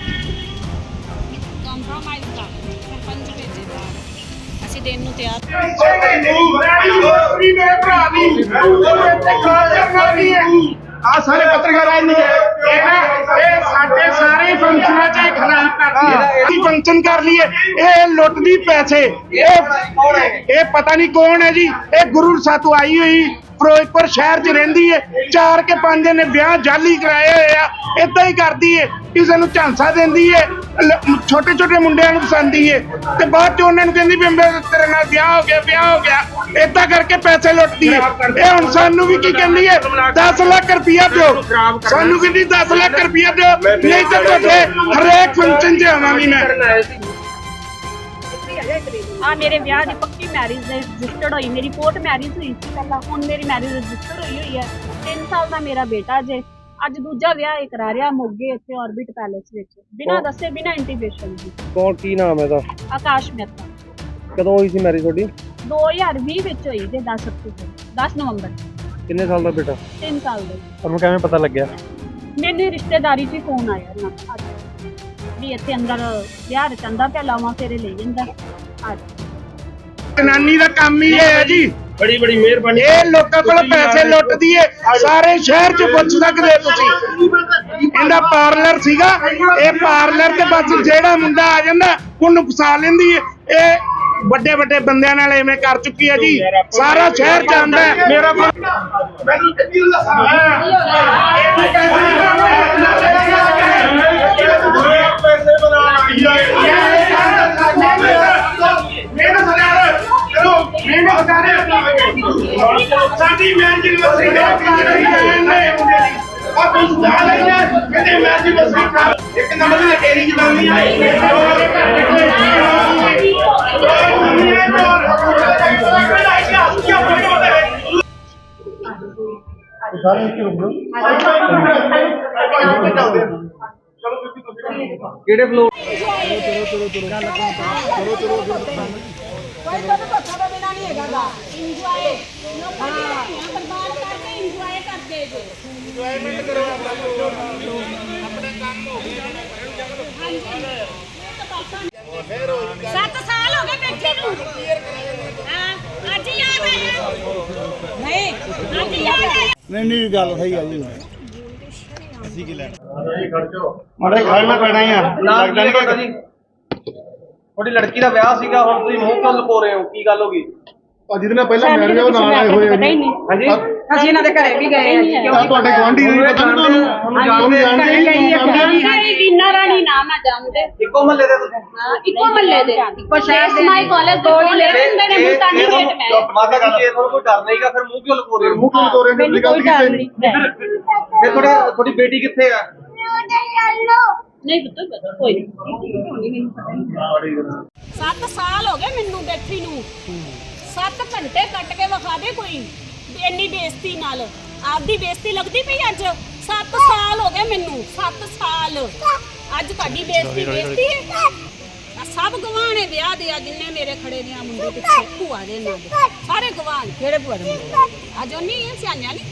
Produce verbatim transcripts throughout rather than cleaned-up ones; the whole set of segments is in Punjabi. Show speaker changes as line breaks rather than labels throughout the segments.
ਕੰਪਰੋਮਾਈਜ਼ ਕਰ ਸਰਪੰਚ ਭੇਜੇ ਬਾਹਰ ਅਸੀਂ ਦੇਣ ਨੂੰ ਤਿਆਰ
ਮੇਰੇ ਭਰਾ ਦੀ ਆ ਸਾਰੇ ਪੱਤਰਕਾਰ ਆਏ ਨੇ ਇਹ ਸਾਡੇ ਸਾਰੇ ਫੰਕਸ਼ਨਾਂ ਚ ਖਰਾਬ ਕਰਦੀ ਹੈ ਅਸੀਂ ਫੰਕਸ਼ਨ ਕਰ ਲਈਏ ਇਹ ਲੁੱਟਦੀ ਪੈਸੇ ਇਹ ਇਹ ਪਤਾ ਨਹੀਂ ਕੌਣ ਹੈ ਜੀ ਇਹ ਗੁਰੂ ਸਾਤੋਂ ਆਈ ਹੋਈ ਫਿਰੋਜ਼ਪੁਰ ਸ਼ਹਿਰ ਚ ਰਹਿੰਦੀ ਹੈ ਚਾਰ ਕੇ ਪੰਜ ਨੇ ਵਿਆਹ ਜਾਲੀ ਕਰਾਏ ਹੋਏ ਆ ਏਦਾਂ ਹੀ ਕਰਦੀ ਹੈ ਕਿਸੇ ਨੂੰ ਝਾਂਸਾ ਦਿੰਦੀ ਹੈ ਛੋਟੇ ਛੋਟੇ ਮੁੰਡਿਆਂ ਨੂੰ ਪਸੰਦੀ ਹੈ ਤੇ ਬਾਅਦ ਚ ਉਹਨਾਂ ਨੂੰ ਕਹਿੰਦੀ ਵੀ ਤੇਰੇ ਨਾਲ ਵਿਆਹ ਹੋ ਗਿਆ ਵਿਆਹ ਹੋ ਗਿਆ ਏਦਾਂ ਕਰਕੇ ਪੈਸੇ ਲੁੱਟਦੀ ਹੈ ਇਹ ਹੁਣ ਸਾਨੂੰ ਵੀ ਕੀ ਕਹਿੰਦੀ ਹੈ ਦਸ ਲੱਖ ਰੁਪਇਆ ਦਿਓ ਸਾਨੂੰ ਕਹਿੰਦੀ ਦਸ ਲੱਖ ਰੁਪਇਆ ਦਿਓ ਨਹੀਂ ਤਾਂ ਤੁਹਾਡੇ ਹਰੇਕ ਫੰਕਸ਼ਨ 'ਚ ਆਵਾਂਗੀ ਮੈਂ
ਆ ਮੇਰੇ ਵਿਆਹ ਦੀ ਪੱਕੀ ਮੈਰਿਜ ਰਜਿਸਟਰਡ ਹੋਈ ਮੇਰੀ ਕੋਰਟ ਮੈਰਿਜ ਹੋਈ ਸੀ ਪਹਿਲਾਂ ਹੁਣ ਮੇਰੀ ਮੈਰਿਜ ਰਜਿਸਟਰ ਹੋਈ ਹੋਈ ਹੈ ਤਿੰਨ ਸਾਲ ਦਾ ਮੇਰਾ ਬੇਟਾ ਜੇ ਅੱਜ ਦੂਜਾ ਵਿਆਹ ਇਹ ਕਰਾ ਰਿਹਾ ਮੋਗੇ ਇੱਥੇ ਆਰਬਿਟ ਪੈਲੇਸ ਵਿੱਚ ਬਿਨਾਂ ਦੱਸੇ ਬਿਨਾਂ ਇੰਟੀਮੇਸ਼ਨ ਦੀ।
ਕੌਣ ਕੀ ਨਾਮ ਹੈ ਇਹਦਾ?
ਆਕਾਸ਼ ਮਹਿਤਾ।
ਕਦੋਂ ਹੋਈ ਸੀ ਮੈਰਿਜ ਤੁਹਾਡੀ?
ਦੋ ਹਜ਼ਾਰ ਵੀਹ ਵਿੱਚ ਹੋਈ ਜੇ ਦਸ ਅਕਤੂਬਰ ਦਸ ਨਵੰਬਰ।
ਕਿੰਨੇ ਸਾਲ ਦਾ ਬੇਟਾ?
ਤਿੰਨ ਸਾਲ ਦਾ।
ਤੁਹਾਨੂੰ ਕਿਵੇਂ ਪਤਾ ਲੱਗਿਆ?
ਮੈਨੂੰ ਰਿਸ਼ਤੇਦਾਰੀ 'ਚ ਫੋਨ ਆਇਆ ਨਾ ਅੱਜ ਵੀ ਇੱਥੇ ਅੰਦਰ ਵਿਆਹ ਰਚੰਦਾ ਪਿਆ ਲਾਵਾਂ ਫੇਰੇ ਲਈ ਜਾਂਦਾ ਅੱਜ।
ਜਨਾਨੀ ਦਾ ਕੰਮ ਹੀ ਇਹ ਹੈ ਜੀ
ਬੜੀ ਬੜੀ ਮਿਹਰਬਾਨੀ
ਇਹ ਲੋਕਾਂ ਕੋਲ ਪੈਸੇ ਲੁੱਟਦੀ ਏ ਸਾਰੇ ਸ਼ਹਿਰ 'ਚ ਪੁੱਛ ਸਕਦੇ ਤੁਸੀਂ ਇਹਦਾ ਪਾਰਲਰ ਸੀਗਾ ਇਹ ਪਾਰਲਰ ਤੇ ਬਸ ਜਿਹੜਾ ਮੁੰਡਾ ਆ ਜਾਂਦਾ ਉਹਨੂੰ ਫਸਾ ਲੈਂਦੀ ਏ ਇਹ ਵੱਡੇ ਵੱਡੇ ਬੰਦਿਆਂ ਨਾਲ ਐਵੇਂ ਕਰ ਚੁੱਕੀ ਹੈ ਜੀ ਸਾਰਾ ਸ਼ਹਿਰ ਜਾਣਦਾ ਮੇਰਾ ਮੈਨੂੰ ਕਿੰਨੀ ਦੱਸਾਂ ਪੈਸੇ ਬਣਾ ਆਈ ਹੈ ਮੇਰਾ ਸਰਦਾਰ ਚਲੋ ਮੈਨੂੰ ਬਤਾ ਦੇ ਸਾਡੀ ਮੈਚ ਵਸੀ ਦੇ ਆ ਕੁਝ ਦਾ ਲਈ ਹੈ ਕਿਤੇ ਮੈਚ ਵਸੀ ਇੱਕ ਨੰਬਰ ਦੀ ਤੇਰੀ ਜਨਾਨੀ ਆਈ
ਕਿਹੜੇ ਫਲੋਰ?
ਕੋਈ ਤਾਂ ਧੋਖਾ ਤੋਂ ਬਿਨਾ ਨਹੀਂ ਹੈਗਾ ਇੰਜੋਏ ਲੋਕਾਂ ਦੀ ਧੀਆਂ ਬਰਬਾਦ ਕਰਕੇ ਇੰਜੋਏ ਕਰਦੇ ਜੋ ਇੰਜੋਇਮੈਂਟ ਕਰੋ ਆਪਣੇ ਕੰਮ ਹੋ ਗਏ ਸੱਤ ਸਾਲ ਹੋ ਗਏ ਬੈਠੇ ਨੂੰ ਹਾਂ ਅੱਜ ਯਾਦ ਆਇਆ ਨਹੀਂ ਅੱਜ ਯਾਦ ਆਇਆ
ਨਹੀਂ ਨਹੀਂ ਗੱਲ ਸਹੀ ਆ ਜੀ ਅਸੀਂ ਕੀ ਲੈਣਾ ਮਾੜੇ ਖਾਣਾ ਪੈਣਾ ਹੀ ਆ
ਲੱਗਦਾ ਨਹੀਂ ਜੀ ਤੁਹਾਡੀ ਲੜਕੀ ਦਾ ਵਿਆਹ ਸੀਗਾ ਹੁਣ ਤੁਸੀਂ ਮੂੰਹ ਕਿਉਂ ਲੁਕੋ ਰਹੇ ਹੋ ਕੀ ਗੱਲ ਹੋ ਗਈ?
ਜਿਹਦੇ ਨਾਲ ਪਹਿਲਾਂ ਮੈਰਿਜ ਉਹ ਨਾਲ ਆਏ ਹੋਏ
ਪਤਾ ਹੀ ਨਹੀਂ
ਹਾਂਜੀ
ਅਸੀਂ ਇਹਨਾਂ ਦੇ ਘਰੇ ਵੀ ਗਏ
ਆ ਤੁਹਾਡੇ ਗਵਾਂਢੀ ਨਹੀਂ ਪਤਾ ਤੁਹਾਨੂੰ ਤੁਹਾਨੂੰ ਜਾਣਦੇ
ਵੀਨਾ ਰਾਣੀ ਨਾਮ ਆ ਜਾਣਦੇ
ਇੱਕੋ ਮਹੱਲੇ ਦੇ ਤੁਸੀਂ?
ਇੱਕੋ ਮਹੱਲੇ ਦੇ ਇੱਕੋ ਸ਼ਹਿਰ ਦੇ ਮਾਈ ਕਾਲਜ ਦੋ ਹੀ ਲੈ ਹੁੰਦੇ ਨੇ ਮੁਲਤਾਨੀ ਗੇਟ ਮੈਂ
ਮਾਤਾ ਜੀ ਜੇ ਤੁਹਾਨੂੰ ਕੋਈ ਡਰ ਨਹੀਂਗਾ ਫਿਰ ਮੂੰਹ ਕਿਉਂ ਲੁਕੋ ਰਹੇ ਹੋ?
ਮੂੰਹ ਕਿਉਂ ਤੋਰੇ ਨੇ ਗੱਲ ਕੀਤੀ ਨਹੀਂ
ਫਿਰ ਤੁਹਾਡਾ ਤੁਹਾਡੀ ਬੇਟੀ ਕਿੱਥੇ ਆ?
ਨਹੀਂ ਪਤਾ ਕੋਈ ਨਹੀਂ ਸੱਤ ਸਾਲ ਹੋ ਗਏ ਮੈਨੂੰ ਬੈਠੀ ਨੂੰ ਸੱਤ ਘੰਟੇ ਕੱਟ ਕੇ ਵਿਖਾ ਦੇ ਕੋਈ ਇੰਨੀ ਬੇਇੱਜ਼ਤੀ ਨਾਲ ਆਪਦੀ ਬੇਇੱਜ਼ਤੀ ਲੱਗਦੀ ਪਈ ਅੱਜ ਸੱਤ ਸਾਲ ਹੋ ਗਏ ਮੈਨੂੰ ਸੱਤ ਸਾਲ ਅੱਜ ਤੁਹਾਡੀ ਬੇਇੱਜ਼ਤੀ ਬੇਇੱਜ਼ਤੀ ਹੈ ਸਭ ਗਵਾਹ ਨੇ ਵਿਆਹ ਦੇ ਆ ਜਿੰਨੇ ਮੇਰੇ ਖੜੇ ਨੇ ਆ ਮੁੰਡੇ ਪਿੱਛੇ ਭੂਆ ਦੇ ਨਾਲ ਸਾਰੇ ਗਵਾਹ ਨੇ ਕਿਹੜੇ ਭੂਆ ਦੇ ਅੱਜ ਉਹ ਨਹੀਂ ਸਿਆਣਿਆ ਨਹੀਂ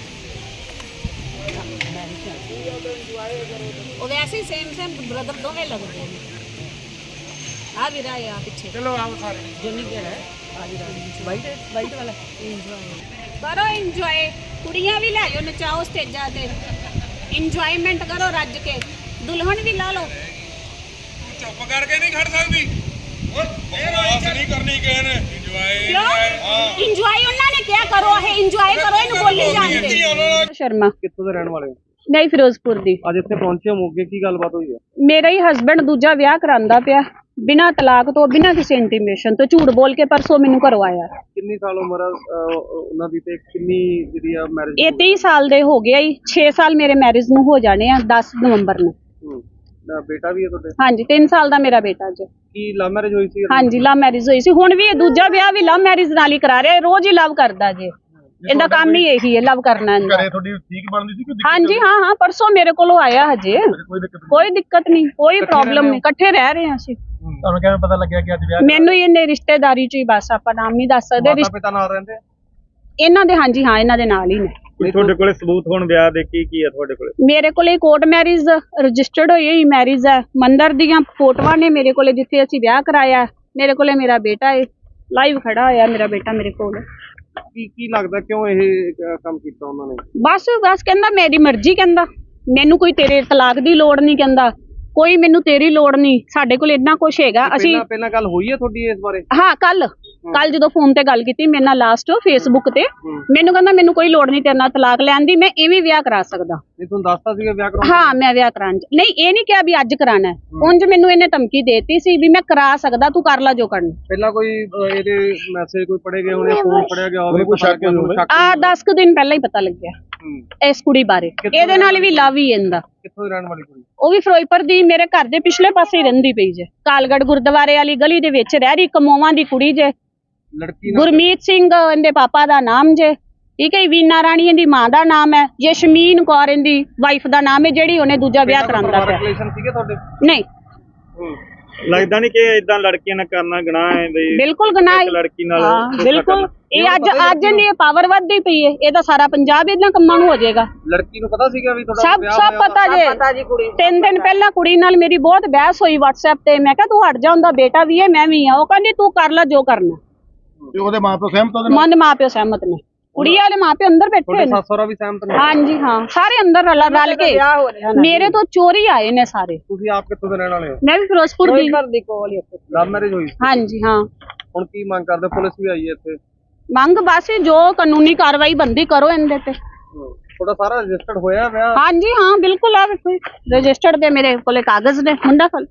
ਉਹ ਵੈਸੇ ਹੀ ਸੇਮ ਸੇਮ ਬ੍ਰਦਰ ਦੋਵੇਂ ਲੱਗਦੇ ਨੇ ਆ ਵੀਰਾ ਆ ਪਿੱਛੇ
ਚਲੋ ਆਓ ਸਾਰੇ
ਜੰਨੀ ਕਿਹੜਾ ਹੈ ਆ ਵੀਰਾ ਵਾਈਟ ਵਾਈਟ ਵਾਲਾ ਇੰਜੋਏ ਕਰੋ ਇੰਜੋਏ ਕੁੜੀਆਂ ਵੀ ਲੈ ਜਾਓ ਨਚਾਓ ਸਟੇਜਾਂ ਤੇ ਇੰਜੋਇਮੈਂਟ ਕਰੋ ਰੱਜ ਕੇ ਦੁਲਹਨ ਵੀ ਲਾ ਲਓ
ਚੁੱਪ ਕਰਕੇ ਨਹੀਂ ਖੜ ਸਕਦੀ ਬਕਵਾਸ ਨਹੀਂ ਕਰਨੀ ਕਿਸੇ ਨੇ ਇੰਜੋਏ
ਇੰਜੋਏ ਉਹਨਾਂ ਨੇ ਕਿਹਾ ਕਰੋ ਇਹ ਇੰਜੋਏ ਕਰੋ ਇਹਨੂੰ ਬੋਲੀ ਜਾਂਦੇ ਸ਼ਰਮਾ
ਕਿੱਥੋਂ ਦੇ ਰਹਿਣ ਵਾਲੇ ਹੋ?
ਨਹੀਂ ਫਿਰੋਜ਼ਪੁਰ ਦੀ
ਅੱਜ ਇੱਥੇ ਪਹੁੰਚੇ ਹੋ ਮੋਗੇ ਕੀ ਗੱਲਬਾਤ ਹੋਈ ਹੈ?
ਮੇਰਾ ਹੀ ਹਸਬੰਡ ਦੂਜਾ ਵਿਆਹ ਕਰਾਂਦਾ ਪਿਆ ਬਿਨਾਂ ਤਲਾਕ ਤੋਂ ਬਿਨਾਂ ਕਿਸੇ ਇੰਟੀਮੇਸ਼ਨ ਤੋਂ ਝੂਠ ਬੋਲ ਕੇ ਪਰਸੋਂ ਮੈਨੂੰ ਕਰਵਾਇਆ।
ਕਿੰਨੀ ਸਾਲ ਉਮਰ ਆ ਉਹਨਾਂ ਦੀ ਤੇ ਕਿੰਨੀ ਜਿਹੜੀ ਆ ਮੈਰਿਜ?
ਇਹ ਤੀਹ ਸਾਲ ਦੇ ਹੋ ਗਿਆ ਹੀ ਛੇ ਸਾਲ ਮੇਰੇ ਮੈਰਿਜ ਨੂੰ ਹੋ ਜਾਣੇ ਆ ਦਸ ਨਵੰਬਰ ਨੂੰ।
ਬੇਟਾ ਵੀ ਹੈ ਤੁਹਾਡੇ?
ਹਾਂਜੀ ਤਿੰਨ ਸਾਲ ਦਾ ਮੇਰਾ ਬੇਟਾ ਜੀ।
ਕੀ ਲਵ ਮੈਰਿਜ ਹੋਈ ਸੀ?
ਹਾਂਜੀ ਲਵ ਮੈਰਿਜ ਹੋਈ ਸੀ ਹੁਣ ਵੀ ਇਹ ਦੂਜਾ ਵਿਆਹ ਵੀ ਲਵ ਮੈਰਿਜ ਨਾਲ ਹੀ ਕਰਾ ਰਿਹਾ ਰੋਜ਼ ਹੀ ਲਵ ਕਰਦਾ ਜੀ ਇਹਦਾ ਕੰਮ ਹੀ ਇਹੀ ਹੈ ਲਵ ਕਰਨਾ ਇਹਦਾ।
ਘਰੇ ਤੁਹਾਡੀ ਠੀਕ ਬਣਦੀ ਸੀ ਕਿ
ਹਾਂਜੀ ਹਾਂ ਹਾਂ ਪਰਸੋਂ ਮੇਰੇ ਕੋਲੋਂ ਆਇਆ ਹਜੇ ਕੋਈ ਦਿੱਕਤ ਨਹੀਂ ਕੋਈ ਪ੍ਰੋਬਲਮ ਨਹੀਂ ਇਕੱਠੇ ਰਹਿ ਰਹੇ ਹਾਂ ਅਸੀਂ।
ਤੁਹਾਨੂੰ ਕਿਵੇਂ ਪਤਾ ਲੱਗਿਆ ਕਿ ਅੱਜ ਵਿਆਹ?
ਮੈਨੂੰ ਇਹਨੇ ਰਿਸ਼ਤੇਦਾਰੀ ਚ ਹੀ ਬਸ ਆਪਾਂ ਨਾਮ ਨਹੀਂ ਦੱਸ ਸਕਦੇ
ਮਾਤਾ ਪਿਤਾ ਨਾਲ ਰਹਿੰਦੇ
ਇਹਨਾਂ ਦੇ ਹਾਂਜੀ ਹਾਂ ਇਹਨਾਂ ਦੇ ਨਾਲ ਹੀ ਨੇ।
ਤੁਹਾਡੇ ਕੋਲੇ ਸਬੂਤ ਹੁਣ ਵਿਆਹ ਦੇ ਕੀ ਕੀ ਹੈ ਤੁਹਾਡੇ ਕੋਲੇ?
ਮੇਰੇ ਕੋਲੇ ਕੋਰਟ ਮੈਰਿਜ ਰਜਿਸਟਰਡ ਹੋਈ ਹੋਈ ਮੈਰਿਜ ਹੈ, ਮੰਦਰ ਦੀਆਂ ਫੋਟੋਆਂ ਨੇ ਮੇਰੇ ਕੋਲੇ ਜਿੱਥੇ ਅਸੀਂ ਵਿਆਹ ਕਰਾਇਆ। ਮੇਰੇ ਕੋਲੇ ਮੇਰਾ ਬੇਟਾ ਹੈ, ਲਾਈਵ ਖੜਾ ਹੋਇਆ ਮੇਰਾ ਬੇਟਾ ਮੇਰੇ ਕੋਲ।
ਕੀ ਕੀ ਲੱਗਦਾ ਕਿਉਂ ਇਹ ਅਹ, ਕੰਮ ਕੀਤਾ ਉਹਨਾਂ ਨੇ?
ਬਸ ਬਸ ਕਹਿੰਦਾ ਮੇਰੀ ਮਰਜ਼ੀ, ਕਹਿੰਦਾ ਮੈਨੂੰ ਕੋਈ ਤੇਰੇ ਤਲਾਕ ਦੀ ਲੋੜ ਨਹੀਂ, ਕਹਿੰਦਾ ਕੋਈ ਮੈਨੂੰ ਤੇਰੀ ਲੋੜ ਨਹੀਂ। ਸਾਡੇ ਕੋਲ ਇੰਨਾ ਕੁਝ ਹੈਗਾ। ਅਸੀਂ
ਪਹਿਲਾਂ ਪਹਿਲਾਂ ਗੱਲ ਹੋਈ ਹੈ ਤੁਹਾਡੀ ਇਸ ਬਾਰੇ?
ਹਾਂ, ਕੱਲ ਕੱਲ ਜਦੋਂ ਫੋਨ ਤੇ ਗੱਲ ਕੀਤੀ ਮੇਰੇ ਨਾਲ ਲਾਸਟ ਫੇਸਬੁੱਕ ਤੇ, ਮੈਨੂੰ ਕਹਿੰਦਾ ਮੈਨੂੰ ਕੋਈ ਲੋੜ ਨਹੀਂ ਤੇਰੇ ਨਾਲ ਤਲਾਕ ਲੈਣ ਦੀ, ਮੈਂ ਇਵੇਂ ਵਿਆਹ ਕਰਾ ਸਕਦਾ।
ਨਹੀਂ ਤੁਹਾਨੂੰ ਦੱਸਤਾ ਸੀਗਾ ਵਿਆਹ ਕਰਾਉਣ?
ਹਾਂ, ਮੈਂ ਵਿਆਹ ਕਰਾਉਣ ਚ ਨਹੀਂ, ਇਹ ਨਹੀਂ ਕਿਹਾ ਵੀ ਅੱਜ ਕਰਾਣਾ ਹੈ। ਉਂਝ ਮੈਨੂੰ ਇਹਨੇ ਧਮਕੀ ਦੇਤੀ ਸੀ ਵੀ ਮੈਂ ਕਰਾ ਸਕਦਾ, ਤੂੰ ਕਰ ਲੈ ਜੋ ਕਰਨਾ।
ਪਹਿਲਾਂ ਕੋਈ ਅਹ, ਇਹਦੇ ਮੈਸੇਜ ਕੋਈ ਪੜੇ ਗਏ ਹੋਣੇ, ਫੋਨ ਪੜਿਆ ਗਿਆ ਹੋਵੇ,
ਕੋਈ ਸ਼ੱਕ ਹੋਵੇ?
ਆ ਦਸ ਕੁ ਦਿਨ ਪਹਿਲਾਂ ਹੀ ਪਤਾ ਲੱਗਿਆ ਇਸ ਕੁੜੀ ਬਾਰੇ। ਇਹਦੇ ਨਾਲ ਵੀ ਲਵ ਹੀ ਇਹਦਾ।
ਕਿੱਥੋਂ ਦੀ ਰਹਿਣ ਵਾਲੀ ਕੁੜੀ?
ਉਹ ਵੀ ਫਿਰੋਜ਼ਪੁਰ ਦੀ, ਮੇਰੇ ਘਰ ਦੇ ਪਿਛਲੇ ਪਾਸੇ ਹੀ ਰਹਿੰਦੀ ਪਈ ਜੇ, ਕਾਲਗੜ੍ਹ ਗੁਰਦੁਆਰੇ ਵਾਲੀ ਗਲੀ ਦੇ ਵਿੱਚ ਰਹਿ ਰਹੀ, ਕਮੋਵਾਂ ਦੀ ਕੁੜੀ ਜੇ।
ਲੜਕੀ ਨਾਲ
ਗੁਰਮੀਤ ਸਿੰਘ ਇਹਦੇ ਪਾਪਾ ਦਾ ਨਾਮ ਜੇ, ਠੀਕ ਹੈ। ਵੀਨਾ ਰਾਣੀ ਇਹਦੀ ਮਾਂ ਦਾ ਨਾਮ ਹੈ। ਯਸ਼ਮੀਨ ਕੌਰ ਇਹਦੀ ਵਾਈਫ ਦਾ ਨਾਮ ਹੈ, ਜਿਹੜੀ ਉਹਨੇ ਦੂਜਾ ਵਿਆਹ ਕਰਾਂਦਾ ਪਿਆ।
ਰਿਲੇਸ਼ਨ ਸੀਗੇ ਤੁਹਾਡੇ?
ਨਹੀਂ,
ਲੱਗਦਾ ਨਹੀਂ ਕਿ ਇਦਾਂ ਲੜਕੀਆਂ ਨਾਲ ਕਰਨਾ ਗੁਨਾਹ ਹੈ ਬਈ?
ਬਿਲਕੁਲ ਗੁਨਾਹ ਹੈ।
ਇੱਕ ਲੜਕੀ ਨਾਲ
ਹਾਂ,
ਧੋਖਾ
ਬਿਲਕੁਲ।
ਕਰਨਾ।
ਇਹ ਅੱਜ ਅੱਜ ਇਹਦੀ ਪਾਵਰ ਵੱਧਦੀ ਪਈ ਹੈ, ਇਹਦਾ ਸਾਰਾ ਪੰਜਾਬ ਇਹਨਾਂ ਕੰਮਾਂ ਨੂੰ ਹੋ ਜਾਏਗਾ।
ਲੜਕੀ ਨੂੰ ਪਤਾ ਸੀਗਾ ਵੀ ਤੁਹਾਡਾ
ਸਭ
ਵਿਆਹ
ਸਭ
ਹੋਇਆ?
ਪਤਾ ਜੇ। ਤਿੰਨ ਦਿਨ ਪਹਿਲਾਂ ਕੁੜੀ ਨਾਲ ਮੇਰੀ ਬਹੁਤ ਬਹਿਸ ਹੋਈ WhatsApp ਤੇ। ਮੈਂ ਕਿਹਾ ਤੂੰ ਹਟ ਜਾ, ਉਹਦਾ ਬੇਟਾ ਵੀ ਹੈ ਮੈਂ ਵੀ ਆ। ਉਹ ਕਹਿੰਦੀ ਤੂੰ ਕਰ ਲੈ ਜੋ ਕਰਨਾ।
ਤੇ ਉਹਦੇ ਮਾਪੇ ਸਹਿਮਤ ਉਹਦੇ
ਮਨ ਮਾਪਿਓ ਸਹਿਮਤ ਨੇ, ਕੁੜੀ ਵਾਲੇ ਮਾਪੇ ਅੰਦਰ ਬੈਠੇ
ਤੁਹਾਡੇ
ਨੇ।
ਸੱਸ ਸਹੁਰਾ ਵੀ ਸਹਿਮਤ ਨੇ?
ਹਾਂਜੀ ਹਾਂ, ਸਾਰੇ ਅੰਦਰ ਰਲ ਰਲ ਕੇ ਮੇਰੇ ਤੋਂ ਚੋਰੀ ਆਏ ਨੇ ਸਾਰੇ।
ਤੁਸੀਂ ਆਪ ਕਿੱਥੋਂ ਦੇ ਰਹਿਣ ਵਾਲੇ ਹੋ?
ਮੈਂ ਵੀ ਫਿਰੋਜ਼ਪੁਰ ਦੀ।
ਲਵ ਮੈਰਿਜ ਹੋਈ?
ਹਾਂਜੀ ਹਾਂ।
ਹੁਣ ਕੀ ਮੰਗ ਕਰਦੇ? ਪੁਲਿਸ ਵੀ ਆਈ ਹੈ ਇੱਥੇ?
ਮੰਗ ਬਸ ਜੋ ਕਾਨੂੰਨੀ ਕਾਰਵਾਈ ਬੰਦੀ ਕਰੋ ਇਹਦੇ ਤੇ।
ਤੁਹਾਡਾ ਸਾਰਾ ਰਜਿਸਟਰਡ ਹੋਇਆ ਵਿਆਹ?
ਹਾਂਜੀ ਹਾਂ, ਬਿਲਕੁਲ। ਆ ਵੇਖੋ ਰਜਿਸਟਰਡ ਦੇ ਮੇਰੇ ਕੋਲੇ ਕਾਗਜ਼ ਨੇ, ਮੁੰਡਾ ਕੋਲ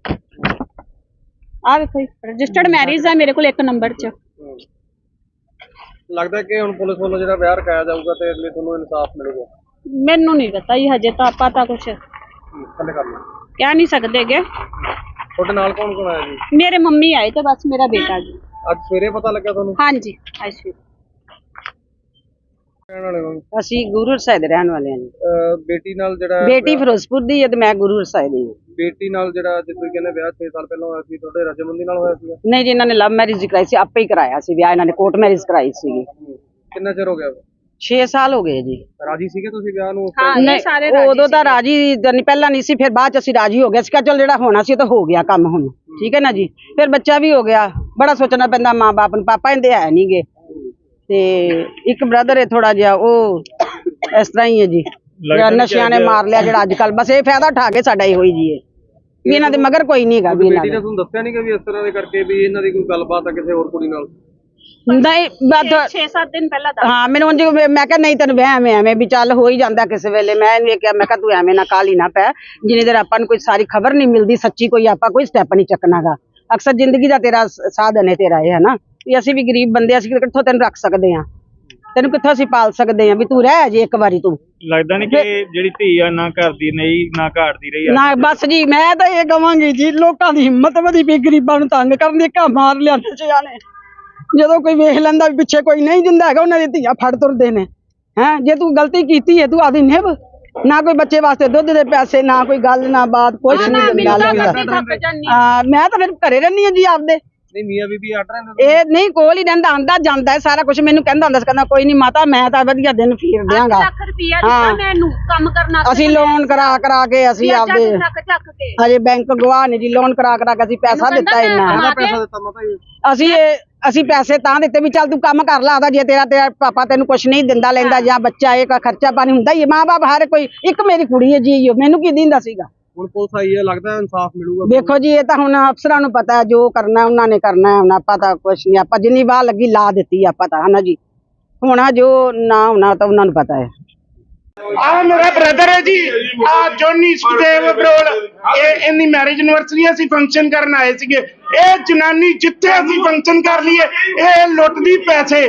ਆ ਵੇਖੋ ਰਜਿਸਟਰਡ ਮੈਰਿਜ ਹੈ ਮੇਰੇ ਕੋਲ ਇੱਕ ਨੰਬਰ 'ਚ।
ਲੱਗਦਾ ਕਿ ਹੁਣ ਪੁਲਿਸ ਵੱਲੋਂ ਜਿਹੜਾ ਵਿਆਹ ਰਖਾਇਆ ਜਾਊਗਾ ਤੇ ਅਗਲੇ ਤੁਹਾਨੂੰ ਇਨਸਾਫ ਮਿਲੇਗਾ?
ਮੈਨੂੰ ਨਹੀਂ ਪਤਾ ਜੀ, ਹਜੇ ਤਾਂ ਆਪਾਂ ਤਾਂ ਕੁਛ
ਥੱਲੇ ਕਰ ਲਓ।
ਕਹਿ ਨਹੀਂ ਸਕਦੇਗੇ।
ਤੁਹਾਡੇ ਨਾਲ ਕੌਣ ਕੌਣ ਆਇਆ ਜੀ?
ਮੇਰੇ ਮੰਮੀ ਆਏ ਤੇ ਬਸ ਮੇਰਾ ਬੇਟਾ ਜੀ।
ਅੱਜ ਸਵੇਰੇ ਪਤਾ ਲੱਗਾ ਤੁਹਾਨੂੰ?
ਹਾਂਜੀ, ਅੱਛਾ।
ਰਹਿਣ ਵਾਲੇ ਹੋ?
ਅਸੀਂ ਗੁਰੂ ਸਾਹਿਬ ਦੇ ਰਹਿਣ ਵਾਲੇ ਹਾਂ ਜੀ।
ਅਹ ਬੇਟੀ ਨਾਲ ਜਿਹੜਾ
ਬੇਟੀ
ਵਿਆਹ-
ਫਿਰੋਜ਼ਪੁਰ ਦੀ ਹੈ ਤੇ ਮੈਂ ਗੁਰੂ ਸਾਹਿਬ ਦੀ ਹਾਂ।
ਬੇਟੀ ਨਾਲ ਜਿਹੜਾ ਜਿਸ ਤੁਸੀਂ ਕਹਿੰਦੇ ਵਿਆਹ ਛੇ ਸਾਲ ਪਹਿਲਾਂ ਹੋਇਆ ਸੀ, ਤੁਹਾਡੇ ਰਜਮੰਦੀ ਨਾਲ ਹੋਇਆ ਸੀਗਾ?
ਨਹੀਂ ਜੀ, ਇਹਨਾਂ ਨੇ ਲਵ ਮੈਰਿਜ ਕਰਾਈ ਸੀ, ਆਪੇ ਹੀ ਕਰਾਇਆ ਸੀ ਵਿਆਹ। ਇਹਨਾਂ ਨੇ ਕੋਰਟ ਮੈਰਿਜ ਕਰਾਈ ਸੀਗੀ।
ਕਿੰਨਾ ਚਿਰ ਹੋ ਗਿਆ?
ਛੇ ਸਾਲ ਹੋ ਗਏ ਜੀ।
ਰਾਜੀ ਸੀਗੇ ਤੁਸੀਂ ਵਿਆਹ ਨੂੰ?
ਹਾਂ, ਇਹ ਸਾਰੇ ਰਾਜੀ
ਉਦੋਂ ਤਾਂ ਰਾਜੀ ਤਾਂ ਨਹੀਂ, ਪਹਿਲਾਂ ਨਹੀਂ ਸੀ, ਫਿਰ ਬਾਅਦ ਚ ਅਸੀਂ ਰਾਜੀ ਹੋ ਗਏ ਸੀ। ਚਲ ਜਿਹੜਾ ਹੋਣਾ ਸੀ ਉਹ ਤਾਂ ਹੋ ਗਿਆ ਕੰਮ ਹੁਣ, ਠੀਕ ਹੈ ਨਾ ਜੀ। ਫਿਰ ਬੱਚਾ ਵੀ ਹੋ ਗਿਆ। ਬੜਾ ਸੋਚਣਾ ਪੈਂਦਾ ਮਾਂ ਬਾਪ ਨੂੰ, ਪਾਪਾ ਇਹਦੇ ਹੈ ਨਹੀਂਗੇ ਤੇ ਇੱਕ ਬ੍ਰਦਰ ਹੈ ਥੋੜਾ ਜਿਹਾ, ਉਹ ਇਸ ਤਰ੍ਹਾਂ ਹੀ ਹੈ ਜੀ, ਜਿਹੜਾ ਨਸ਼ਿਆਂ ਨੇ ਮਾਰ ਲਿਆ ਜਿਹੜਾ ਅੱਜ ਕੱਲ। ਬਸ ਇਹ ਫਾਇਦਾ ਉਠਾ ਕੇ ਸਾਡਾ ਇਹੋ ਹੀ ਜੀ ਹੈ ਵੀ ਇਹਨਾਂ ਦੇ ਮਗਰ ਕੋਈ ਨਹੀਂ ਹੈਗਾ ਵੀ ਇਹਨਾਂ
ਬੇਟੀ ਨੇ
ਦਾ।
ਤੁਹਾਨੂੰ ਦੱਸਿਆ ਨਹੀਂ ਕਿ ਵੀ ਇਸ ਤਰ੍ਹਾਂ ਦੇ ਕਰਕੇ ਵੀ ਇਹਨਾਂ ਦੀ ਕੋਈ ਗੱਲਬਾਤ ਆ ਕਿਸੇ ਹੋਰ ਕੁੜੀ ਨਾਲ?
ਨਹੀਂ ਬਸ
ਛੇ ਸੱਤ ਦਿਨ ਪਹਿਲਾਂ ਦਾ।
ਹਾਂ, ਮੈਨੂੰ ਉਂਝ ਮੈਂ ਕਿਹਾ ਨਹੀਂ ਤੈਨੂੰ ਵਹਿਮ ਹੈ ਐਵੇਂ ਵੀ ਚੱਲ ਹੋ ਹੀ ਜਾਂਦਾ ਕਿਸੇ ਵੇਲੇ। ਮੈਂ ਇਹਨੂੰ ਇਹ ਕਿਹਾ, ਮੈਂ ਕਿਹਾ ਤੂੰ ਐਵੇਂ ਨਾ ਕਾਹਲੀ ਨਾ ਪੈ, ਜਿੰਨੀ ਦੇਰ ਆਪਾਂ ਨੂੰ ਕੋਈ ਸਾਰੀ ਖਬਰ ਨਹੀਂ ਮਿਲਦੀ ਸੱਚੀ, ਕੋਈ ਆਪਾਂ ਕੋਈ ਸਟੈਪ ਨਹੀਂ ਚੱਕਣਾਗਾ। ਅਕਸਰ ਜ਼ਿੰਦਗੀ ਦਾ ਤੇਰਾ ਸਾਧਨ ਹੈ ਤੇਰਾ ਇਹ, ਹੈ ਨਾ ਵੀ ਅਸੀਂ ਵੀ ਗਰੀਬ ਬੰਦੇ, ਅਸੀਂ ਕਿੱਥੋਂ ਤੈਨੂੰ ਰੱਖ ਸਕਦੇ ਹਾਂ, ਤੈਨੂੰ ਕਿੱਥੋਂ ਅਸੀਂ ਪਾਲ ਸਕਦੇ ਹਾਂ, ਵੀ ਤੂੰ ਰਹਿ ਜੇ ਇੱਕ ਵਾਰੀ ਤੂੰ।
ਲੱਗਦਾ ਨਹੀਂ ਕਿ ਜਿਹੜੀ ਧੀ ਆ ਨਾ ਘਰ ਦੀ ਨਹੀਂ ਨਾ ਘਾਟ ਦੀ ਰਹੀ ਆ?
ਨਾ ਬਸ ਜੀ, ਮੈਂ ਤਾਂ ਇਹ ਕਵਾਂਗੀ ਜੀ, ਲੋਕਾਂ ਦੀ ਹਿੰਮਤ ਵਧੀ ਪਈ ਗਰੀਬਾਂ ਨੂੰ ਤੰਗ ਕਰਨ ਦੀ। ਘਾ ਮਾਰ ਲਿਆਂਦੇ ਸਿਆਂ ਨੇ, ਜਦੋਂ ਕੋਈ ਵੇਖ ਲੈਂਦਾ ਵੀ ਪਿੱਛੇ ਕੋਈ ਨਹੀਂ ਦਿੰਦਾ ਹੈਗਾ, ਉਹਨਾਂ ਦੀ ਧੀਆਂ ਫੜ ਤੁਰਦੇ ਨੇ। ਹੈਂ, ਜੇ ਤੂੰ ਗਲਤੀ ਕੀਤੀ ਹੈ ਤੂੰ ਆਦੀ ਨਿਭ, ਨਾ ਕੋਈ ਬੱਚੇ ਵਾਸਤੇ ਦੁੱਧ ਦੇ ਪੈਸੇ, ਨਾ ਕੋਈ ਗੱਲ ਨਾ ਬਾਤ, ਕੁਛ ਨਹੀਂ ਦਿੰਦਾ ਲੈਂਦਾ। ਹਾਂ, ਮੈਂ ਤਾਂ ਫਿਰ ਘਰੇ ਰਹਿੰਦੀ ਹਾਂ ਜੀ ਆਪਦੇ।
ਨਹੀਂ ਮੀਆਂ ਬੀਬੀ ਅੱਡ ਰਹੇ?
ਇਹ ਨਹੀਂ, ਕੋਲ ਹੀ ਰਹਿੰਦਾ, ਆਂਦਾ ਜਾਂਦਾ ਹੈ ਸਾਰਾ ਕੁਝ। ਮੈਨੂੰ ਕਹਿੰਦਾ ਹੁੰਦਾ ਸੀ, ਕਹਿੰਦਾ ਕੋਈ ਨਹੀਂ ਮਾਤਾ, ਮੈਂ ਤਾਂ ਵਧੀਆ ਦਿਨ ਫੇਰ ਦਿਆਂਗਾ।
ਲੱਖ ਰੁਪਿਆ ਦਿੱਤਾ ਮੈਨੂੰ ਕੰਮ ਕਰਨਾ।
ਅਸੀਂ ਲੋਨ ਕਰਾ ਕਰਾ ਕੇ ਅਸੀਂ ਆਪਦੇ
ਚੱਕ ਚੱਕ ਕੇ
ਹਜੇ ਬੈਂਕ ਗਵਾਹ ਨੇ ਜੀ, ਲੋਨ ਕਰਾ ਕਰਾ ਕੇ ਅਸੀਂ ਪੈਸਾ ਦਿੱਤਾ ਇੰਨਾ।
ਕਿੰਨਾ ਪੈਸਾ ਦਿੱਤਾ ਮਾਤਾ ਜੀ?
ਅਸੀਂ ਇਹ ਅਸੀਂ ਪੈਸੇ ਤਾਂ ਦਿੱਤੇ ਵੀ ਚੱਲ ਤੂੰ ਕੰਮ ਕਰ ਲਾ ਆਦਾ, ਜੇ ਤੇਰਾ ਤੇਰਾ ਪਾਪਾ ਤੈਨੂੰ ਕੁਛ ਨਹੀਂ ਦਿੰਦਾ ਲੈਂਦਾ, ਜਾਂ ਬੱਚਾ ਇਹ ਖਰਚਾ ਪਾਣੀ ਹੁੰਦਾ ਹੀ ਹੈ। ਮਾਂ ਬਾਪ ਹਰ ਕੋਈ, ਇੱਕ ਮੇਰੀ ਕੁੜੀ ਹੈ ਜੀ, ਮੈਨੂੰ ਕੀ ਦਿੰਦਾ ਸੀਗਾ।
ਹੁਣ ਪੁਲਿਸ ਆਈ ਹੈ, ਲੱਗਦਾ ਇਨਸਾਫ ਮਿਲੂਗਾ?
ਦੇਖੋ ਜੀ, ਇਹ ਤਾਂ ਹੁਣ ਅਫਸਰਾਂ ਨੂੰ ਪਤਾ ਹੈ, ਜੋ ਕਰਨਾ ਉਹਨਾਂ ਨੇ ਕਰਨਾ ਹੈ। ਹੁਣ ਆਪਾਂ ਤਾਂ ਕੁਛ ਨਹੀਂ, ਆਪਾਂ ਜਿੰਨੀ ਵਾਹ ਲੱਗੀ ਲਾ ਦਿੱਤੀ ਆਪਾਂ ਤਾਂ, ਹਨਾ ਜੀ। ਹੋਣਾ ਜੋ ਨਾ ਹੋਣਾ ਤਾਂ ਉਹਨਾਂ ਨੂੰ ਪਤਾ ਹੈ।
ਆ ਮੇਰਾ ਬ੍ਰਦਰ ਹੈ ਜੀ, ਆ ਜੋਨੀ ਸੁਖਦੇਵ ਬਰੋਲ, ਇਹ ਇਹਦੀ ਮੈਰਿਜ ਐਨਵਰਸਰੀ ਅਸੀਂ ਫੰਕਸ਼ਨ ਕਰਨ ਆਏ ਸੀਗੇ। ਇਹ ਜਨਾਨੀ ਜਿੱਥੇ ਅਸੀਂ ਫੰਕਸ਼ਨ ਕਰ ਲਈਏ ਇਹ ਲੁੱਟਦੀ ਪੈਸੇ।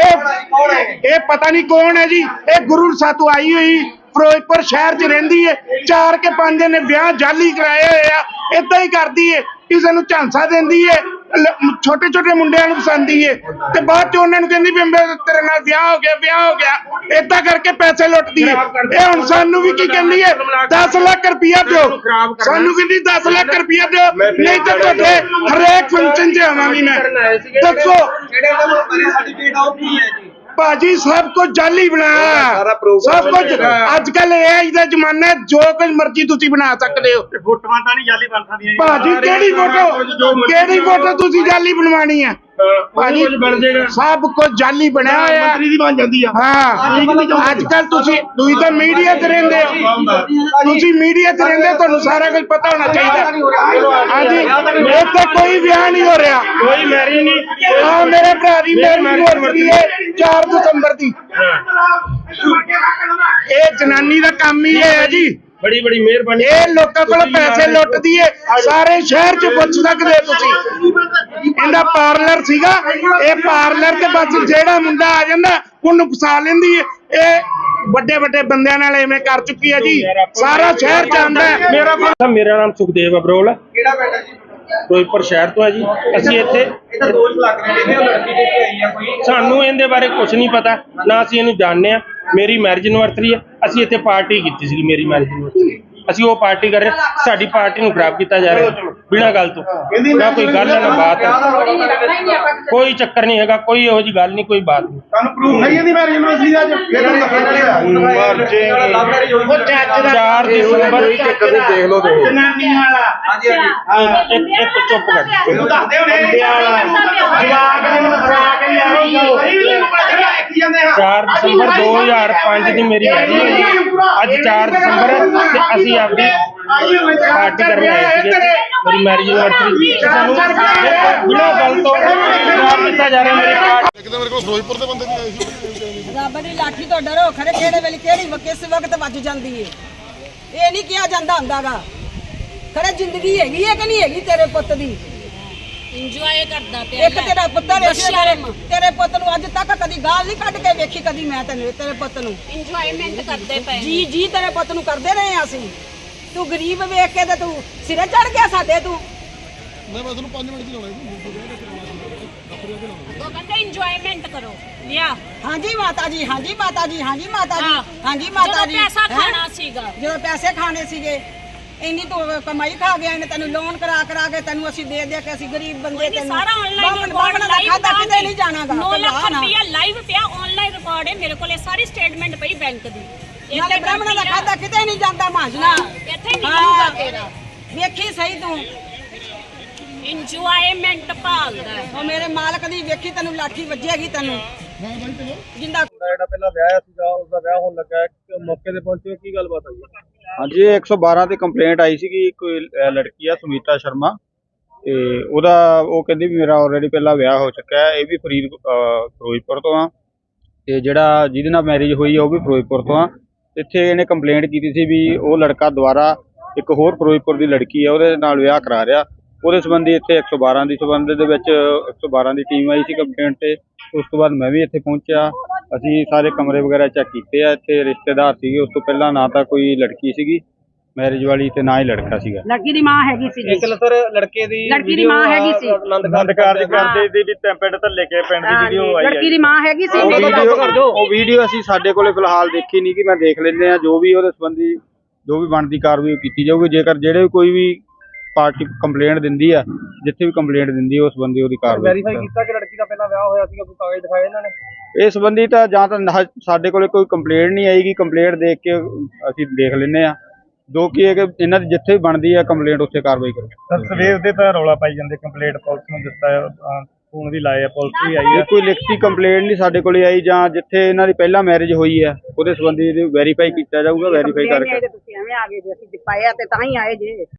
ਇਹ ਇਹ ਪਤਾ ਨਹੀਂ ਕੌਣ ਹੈ ਜੀ, ਇਹ ਗੁਰੂ ਸਾਤੋਂ ਆਈ ਹੋਈ ਫਿਰੋਜ਼ਪੁਰ ਸ਼ਹਿਰ 'ਚ ਰਹਿੰਦੀ ਹੈ। ਚਾਰ ਕੇ ਪੰਜ ਨੇ ਵਿਆਹ ਜਾਲੀ ਕਰਾਏ ਹੋਏ ਆ। ਏਦਾਂ ਹੀ ਕਰਦੀ ਹੈ, ਕਿਸੇ ਨੂੰ ਝਾਂਸਾ ਦਿੰਦੀ ਹੈ, ਛੋਟੇ ਛੋਟੇ ਮੁੰਡਿਆਂ ਨੂੰ ਪਸੰਦੀ ਹੈ, ਤੇ ਬਾਅਦ ਚ ਉਹਨਾਂ ਨੂੰ ਕਹਿੰਦੀ ਵੀ ਮੇਰੇ ਤੇਰੇ ਨਾਲ ਵਿਆਹ ਹੋ ਗਿਆ ਵਿਆਹ ਹੋ ਗਿਆ। ਏਦਾਂ ਕਰਕੇ ਪੈਸੇ ਲੁੱਟਦੀ ਹੈ। ਇਹ ਹੁਣ ਸਾਨੂੰ ਵੀ ਕੀ ਕਹਿੰਦੀ ਹੈ, ਦਸ ਲੱਖ ਰੁਪਇਆ ਦਿਓ। ਸਾਨੂੰ ਕਹਿੰਦੀ ਦਸ ਲੱਖ ਰੁਪਇਆ ਦਿਓ, ਨਹੀਂ ਤਾਂ ਤੁਹਾਡੇ ਹਰੇਕ ਫੰਕਸ਼ਨ 'ਚ ਆਵਾਂਗੀ ਮੈਂ। ਦੱਸੋ
ਜਿਹੜੇ ਉਹਨਾਂ ਨੂੰ ਸਰਟੀਫਿਕੇਟ ਆ ਉਹ ਕੀ ਹੈ ਜੀ?
ਭਾਜੀ ਸਭ ਕੁਝ ਜਾਲੀ ਬਣਾਇਆ
ਸਾਰਾ program
ਸਭ ਕੁਝ ਅੱਜ ਕੱਲ ਏ ਆਈ ਦਾ ਜ਼ਮਾਨਾ ਹੈ, ਜੋ ਕੁਝ ਮਰਜ਼ੀ ਤੁਸੀਂ ਬਣਾ ਸਕਦੇ ਹੋ।
ਫੋਟੋਆਂ ਤਾਂ ਨਹੀਂ ਜਾਲੀ ਬਣ ਸਕਦੀਆਂ ਜੀ।
ਭਾਜੀ ਕਿਹੜੀ ਫੋਟੋ ਕਿਹੜੀ ਫੋਟੋ ਤੁਸੀਂ ਜਾਲੀ ਬਣਵਾਣੀ ਹੈ ਭਾਜੀ? ਸਭ ਕੁਝ ਜਾਲੀ ਬਣਿਆ ਹੋਇਆ ਮੰਤਰੀ ਦੀ ਬਣ ਜਾਂਦੀ ਆ। ਹਾਂ ਅੱਜ ਕੱਲ ਤੁਸੀਂ ਤੁਸੀਂ ਤਾਂ ਮੀਡੀਆ ਤੇ ਰਹਿੰਦੇ ਹੋ, ਤੁਸੀਂ ਮੀਡੀਆ ਤੇ ਰਹਿੰਦੇ ਹੋ, ਤੁਹਾਨੂੰ ਸਾਰਾ ਕੁਝ ਪਤਾ ਹੋਣਾ ਚਾਹੀਦਾ। ਹਾਂਜੀ ਇੱਥੇ ਕੋਈ ਵਿਆਹ ਨਹੀਂ ਹੋ ਰਿਹਾ,
ਕੋਈ ਮੈਰਿਜ ਨਹੀਂ।
ਹਾਂ ਮੇਰੇ ਭਰਾ ਦੀ ਮੈਰਿਜ ਹੈ ਚਾਰ ਦਸੰਬਰ ਦੀ। ਇਹ ਜਨਾਨੀ ਦਾ ਕੰਮ ਹੀ ਇਹ ਹੈ ਜੀ,
ਬੜੀ ਬੜੀ ਮਿਹਰਬਾਨੀ।
ਇਹ ਲੋਕਾਂ ਕੋਲ ਪੈਸੇ ਲੁੱਟਦੀ ਏ, ਸਾਰੇ ਸ਼ਹਿਰ ਚ ਪੁੱਛ ਸਕਦੇ ਤੁਸੀਂ। ਇਹਦਾ ਪਾਰਲਰ ਸੀਗਾ, ਇਹ ਪਾਰਲਰ ਤੇ ਬਸ ਜਿਹੜਾ ਮੁੰਡਾ ਆ ਜਾਂਦਾ ਉਹਨੂੰ ਫਸਾ ਲੈਂਦੀ ਏ। ਇਹ ਵੱਡੇ ਵੱਡੇ ਬੰਦਿਆਂ ਨਾਲ ਐਵੇਂ ਕਰ ਚੁੱਕੀ ਹੈ ਜੀ, ਸਾਰਾ ਸ਼ਹਿਰ ਜਾਣਦਾ ਹੈ।
ਮੇਰਾ ਮੇਰਾ ਨਾਮ ਸੁਖਦੇਵ ਅਬਰੋਲ ਹੈ,
ਕਿਹੜਾ ਪਿੰਡ ਹੈ ਜੀ?
ਫਿਰੋਜ਼ਪੁਰ ਸ਼ਹਿਰ ਤੋਂ ਹੈ ਜੀ। ਅਸੀਂ ਇੱਥੇ
ਇਹ ਤਾਂ ਦੋਸ਼ ਲੱਗ ਰਹੇ ਨੇ ਉਹ ਲੜਕੀ ਦੇ ਕੇ ਆਈ ਆ ਕੋਈ।
ਸਾਨੂੰ ਇਹਦੇ ਬਾਰੇ ਕੁਝ ਨਹੀਂ ਪਤਾ, ਨਾ ਅਸੀਂ ਇਹਨੂੰ ਜਾਣਦੇ ਆ। ਮੇਰੀ ਮੈਰਿਜ ਐਨਵਰਸਰੀ ਹੈ, ਅਸੀਂ ਇੱਥੇ ਪਾਰਟੀ ਕੀਤੀ ਸੀ ਮੇਰੀ ਮੈਰਿਜ ਐਨਵਰਸਰੀ। ਅਸੀਂ ਉਹ ਪਾਰਟੀ ਕਰ ਰਹੇ, ਸਾਡੀ ਪਾਰਟੀ ਨੂੰ ਖਰਾਬ ਕੀਤਾ ਜਾ ਰਿਹਾ ਬਿਨਾਂ ਗੱਲ ਤੋਂ। ਨਾ ਕੋਈ ਗੱਲ ਹੈ ਨਾ ਬਾਤ ਹੈ, ਕੋਈ ਚੱਕਰ ਨਹੀਂ ਹੈਗਾ, ਕੋਈ ਇਹੋ ਜਿਹੀ ਗੱਲ ਨਹੀਂ, ਕੋਈ ਬਾਤ ਨਹੀਂ।
ਤੁਹਾਨੂੰ ਪ੍ਰੂਫ ਨਹੀਂ ਇਹਦੀ ਮੈਰਿਜ ਯੂਨੀਵਰਸਿਟੀ ਦਾ ਅੱਜ ਫਿਰ
ਲਵ ਮੈਰਿਜ ਹੋਈ ਸੀ।
ਚਾਰ ਦਸੰਬਰ
ਦੇਖ ਲਓ ਤੇ
ਜਨਾਨੀ ਵਾਲਾ
ਹਾਂਜੀ ਹਾਂਜੀ
ਇੱਕ ਇੱਕ ਚੁੱਪ ਕਰ
ਇਹਨੂੰ ਦੱਸਦੇ ਹੋਣੇ ਜਵਾਬ ਨੂੰ ਫਸਾ ਕੇ ਲਿਆਓ ਕੀ ਜਾਂਦੇ ਹਾਂ।
ਚਾਰ ਦਸੰਬਰ ਦੋ ਹਜ਼ਾਰ ਪੰਜ ਦੀ ਮੇਰੀ ਮੈਰਿਜ ਹੋਈ ਹੈ। ਅੱਜ ਚਾਰ ਦਸੰਬਰ ਹੈ ਤੇ ਅਸੀਂ ਆਪਦੀ ਪਾਰਟੀ ਕਰਨ ਆਏ ਸੀਗੇ ਮੇਰੀ ਮੈਰਿਜ ਐਨਵਰਸਰੀ। ਸਾਨੂੰ ਬਿਨਾਂ ਗੱਲ ਤੋਂ ਖਰਾਬ ਕੀਤਾ ਜਾ ਰਿਹਾ ਮੇਰੀ ਪਾਰਟੀ।
ਇੱਕ ਤਾਂ ਮੇਰੇ ਕੋਲ ਫਿਰੋਜ਼ਪੁਰ ਦੇ ਬੰਦੇ ਵੀ ਆਏ ਸੀ।
ਰੱਬ ਦੀ ਲਾਠੀ ਤੋਂ ਡਰੋ, ਖਰੇ ਕਿਹੜੇ ਵੇਲੇ ਕਿਹੜੀ ਕਿਸ ਵਕਤ ਵੱਜ ਜਾਂਦੀ ਏ, ਇਹ ਨਹੀਂ ਕਿਹਾ ਜਾਂਦਾ ਹੁੰਦਾਗਾ। ਖਰੇ ਜ਼ਿੰਦਗੀ ਹੈਗੀ ਹੈ ਕਿ ਨਹੀਂ ਹੈਗੀ ਤੇਰੇ ਪੁੱਤ ਦੀ?
ਇੰਜੋਏ ਕਰਦਾ ਪਿਆ
ਇੱਕ ਤੇਰਾ ਪੁੱਤਰ ਹੈ, ਤੇਰੇ ਪੁੱਤ ਨੂੰ ਅੱਜ ਤੱਕ ਕਦੀ ਗਾਲ ਨਹੀਂ ਕੱਢ ਕੇ ਵੇਖੀ ਕਦੀ ਮੈਂ ਤੈਨੂੰ ਤੇਰੇ ਪੁੱਤ ਨੂੰ
ਇੰਜੋਇਮੈਂਟ ਕਰਦੇ ਪਏ।
ਜੀ ਜੀ ਤੇਰੇ ਪੁੱਤ ਨੂੰ ਕਰਦੇ ਰਹੇ ਆ ਅਸੀਂ। ਤੂੰ ਗਰੀਬ ਵੇਖ ਕੇ ਤੇ ਤੂੰ ਸਿਰੇ ਚੜ ਗਿਆ ਸਾਡੇ। ਤੂੰ
ਮੈਂ ਮੈਂ ਤੁਹਾਨੂੰ ਪੰਜ ਮਿੰਟ ਦੀ ਲਾਉਣਾ
ਉਹ ਕਹਿੰਦੇ ਇੰਜੋਇਮੈਂਟ ਕਰੋ ਲਿਆ।
ਹਾਂਜੀ ਮਾਤਾ ਜੀ, ਹਾਂਜੀ ਮਾਤਾ ਜੀ, ਹਾਂਜੀ ਮਾਤਾ ਜੀ,
ਹਾਂ।
ਹਾਂਜੀ ਮਾਤਾ
ਜਦੋਂ
ਜੀ।
ਪੈਸਾ
ਹੈਂ?
ਖਾਣਾ ਸੀਗਾ,
ਜਦੋਂ ਪੈਸੇ ਖਾਣੇ ਸੀਗੇ, ਇੰਨੀ ਤੂੰ ਕਮਾਈ ਖਾ ਗਿਆ ਇਹਨੇ, ਤੈਨੂੰ ਲੋਨ ਕਰਾ ਕਰਾ ਕੇ ਤੈਨੂੰ ਅਸੀਂ ਦੇ ਦੇ ਕੇ ਅਸੀਂ ਗਰੀਬ ਬੰਦੇ
ਇਹ ਸਾਰਾ ਆਨਲਾਈਨ
ਬਾਵਣ ਦਾ ਖਾਤਾ ਕਿਤੇ ਨਹੀਂ ਜਾਣਾਗਾ।
ਨੌ ਲੱਖ ਰੁਪਇਆ ਲਾਈਵ ਪਿਆ, ਆਨਲਾਈਨ ਰਿਕਾਰਡ ਹੈ ਮੇਰੇ ਕੋਲੇ, ਸਾਰੀ ਸਟੇਟਮੈਂਟ ਪਈ ਬੈਂਕ ਦੀ।
ਨਾਲੇ ਬ੍ਰਾਹਮਣਾਂ ਦਾ ਖਾਤਾ ਕਿਤੇ ਨਹੀਂ ਜਾਂਦਾ ਮਾਂਜਣਾ।
ਇੱਥੇ ਨਿਕਲੂਗਾ ਤੇਰਾ।
ਵੇਖੀ ਸਹੀ ਤੂੰ
ਇੰਜੋਇਮੈਂਟ ਭਾਲਦਾ।
ਉਹ ਮੇਰੇ ਮਾਲਕ ਦੀ ਵੇਖੀ ਤੈਨੂੰ ਲਾਠੀ ਵੱਜੇਗੀ ਤੈਨੂੰ ਜਿੰਦਾ।
ਜਿਹੜਾ ਪਹਿਲਾਂ ਵਿਆਹ ਸੀਗਾ ਉਸਦਾ ਵਿਆਹ ਹੋਣ ਲੱਗਾ ਹੈ, ਮੌਕੇ ਤੇ ਪਹੁੰਚੇ ਕੀ ਗੱਲਬਾਤ ਹੋਈ?
ਹਾਂਜੀ ਇਹ ਇੱਕ ਸੌ ਬਾਰਾਂ ਤੇ ਕੰਪਲੇਂਟ ਆਈ ਸੀਗੀ। ਕੋਈ ਅਹ ਲੜਕੀ ਆ ਸੁਮੀਤਾ ਸ਼ਰਮਾ, ਤੇ ਉਹਦਾ ਉਹ ਕਹਿੰਦੀ ਵੀ ਮੇਰਾ ਆਲਰੇਡੀ ਪਹਿਲਾਂ ਵਿਆਹ ਹੋ ਚੁੱਕਾ ਹੈ। ਇਹ ਵੀ ਫਰੀਦ ਅਹ ਫਿਰੋਜ਼ਪੁਰ ਤੋਂ ਆ, ਤੇ ਜਿਹੜਾ ਜਿਹਦੇ ਨਾਲ ਮੈਰਿਜ ਹੋਈ ਆ ਉਹ ਵੀ ਫਿਰੋਜ਼ਪੁਰ ਤੋਂ ਆ। ਇੱਥੇ ਇਹਨੇ ਕੰਪਲੇਂਟ ਕੀਤੀ ਸੀ ਵੀ ਉਹ ਲੜਕਾ ਦੁਬਾਰਾ ਇੱਕ ਹੋਰ ਫਿਰੋਜ਼ਪੁਰ ਦੀ ਲੜਕੀ ਆ ਉਹਦੇ ਨਾਲ ਵਿਆਹ ਕਰਾ ਰਿਹਾ। ਉਹਦੇ ਸੰਬੰਧੀ ਇੱਥੇ ਇੱਕ ਸੌ ਬਾਰਾਂ ਦੀ ਸੰਬੰਧ ਦੇ ਵਿੱਚ ਇੱਕ ਸੌ ਬਾਰਾਂ ਦੀ ਟੀਮ ਆਈ ਸੀ ਕੰਪਲੇਂਟ ਤੇ। ਉਸ ਤੋਂ ਬਾਅਦ ਮੈਂ ਵੀ ਇੱਥੇ ਪਹੁੰਚਿਆ, ਅਸੀਂ ਸਾਰੇ ਕਮਰੇ ਵਗੈਰਾ ਚੈੱਕ ਕੀਤੇ ਆ। ਇੱਥੇ ਰਿਸ਼ਤੇਦਾਰ ਸੀਗੇ, ਉਸ ਤੋਂ ਪਹਿਲਾਂ ਨਾ ਤਾਂ ਕੋਈ ਲੜਕੀ ਸੀਗੀ ਮੈਰਿਜ ਵਾਲੀ ਤੇ ਨਾ ਹੀ ਲੜਕਾ ਸੀਗਾ।
ਲੜਕੀ ਦੀ ਮਾਂ ਹੈਗੀ ਸੀ
ਇੱਕ ਸਰ ਲੜਕੇ ਦੀ
ਲੜਕੀ ਦੀ ਮਾਂ ਹੈਗੀ ਸੀ।
ਆਨੰਦ ਕਾਰਜ ਕਰਦੇ ਦੀ ਵੀ ਪਿੰਡ ਤੋਂ ਲੈ ਕੇ ਪਿੰਡ ਦੀ ਵੀਡੀਓ ਆਈ ਹੈ।
ਲੜਕੀ ਦੀ ਮਾਂ ਹੈਗੀ ਸੀ।
ਉਹ ਵੀਡੀਓ ਉਹ ਵੀਡੀਓ ਅਸੀਂ ਸਾਡੇ ਕੋਲੇ ਫਿਲਹਾਲ ਦੇਖੀ ਨਹੀਂ ਕਿ ਮੈਂ ਦੇਖ ਲੈਂਦੇ ਆ। ਜੋ ਵੀ ਉਹਦੇ ਸੰਬੰਧੀ ਜੋ ਵੀ ਬਣਦੀ ਕਾਰਵਾਈ ਕੀਤੀ ਜਾਊਗੀ। ਜੇਕਰ ਜਿਹੜੇ ਕੋਈ ਵੀ ਪਾਰਟੀ ਕੰਪਲੇਂਟ ਦਿੰਦੀ ਆ, ਜਿੱਥੇ ਵੀ ਕੰਪਲੇਂਟ ਦਿੰਦੀ ਆ ਉਸ ਸੰਬੰਧੀ ਉਹਦੀ ਕਾਰਵਾਈ
ਵੈਰੀਫਾਈ ਕੀਤਾ ਕਿ ਲੜਕੀ ਦਾ ਪਹਿਲਾਂ ਵਿਆਹ ਹੋਇਆ ਸੀਗਾ, ਕੋਈ ਕਾਗਜ਼ ਦਿਖਾਏ ਇਹਨਾਂ ਨੇ?
ਇਸ ਸੰਬੰਧੀ ਤਾਂ ਜਾਂ ਤਾਂ ਨਾ- ਸਾਡੇ ਕੋਲੇ ਕੋਈ ਕੰਪਲੇਂਟ ਨਹੀਂ ਆਏਗੀ। ਕੰਪਲੇਂਟ ਦੇਖ ਕੇ ਅਸੀਂ ਦੇਖ ਲੈਂਦੇ ਆ, ਜੋ ਕਿ ਇਹ ਕਿ ਇਹਨਾਂ ਦੀ ਜਿੱਥੇ ਵੀ ਬਣਦੀ ਆ ਕੰਪਲੇਂਟ ਉੱਥੇ ਕਾਰਵਾਈ ਕਰੋ।
ਸਰ ਸਵੇਰ ਦੇ ਤਾਂ ਰੌਲਾ ਪਾਈ ਜਾਂਦੇ, ਕੰਪਲੇਂਟ ਪੁਲਿਸ ਨੂੰ ਦਿੱਤਾ, ਫੋਨ ਵੀ ਲਾਏ ਆ, ਪੁਲਿਸ ਵੀ ਆਈ
ਇਹ
ਹੈ।
ਕੋਈ ਲਿਖਤੀ ਕੰਪਲੇਂਟ ਨਹੀਂ ਸਾਡੇ ਕੋਲੇ ਆਈ, ਜਾਂ ਜਿੱਥੇ ਇਹਨਾਂ ਦੀ ਪਹਿਲਾਂ ਮੈਰਿਜ ਹੋਈ ਹੈ ਉਹਦੇ ਸੰਬੰਧੀ ਵੈਰੀਫਾਈ ਕੀਤਾ ਜਾਊਗਾ। ਵੈਰੀਫਾਈ ਕਰਕੇ
ਤੁਸੀਂ ਐਵੇਂ ਆ ਗਏ ਜੇ ਅਸੀਂ ਪਾਇਆ ਤੇ ਤਾਂ ਹੀ ਆਏ ਜੇ।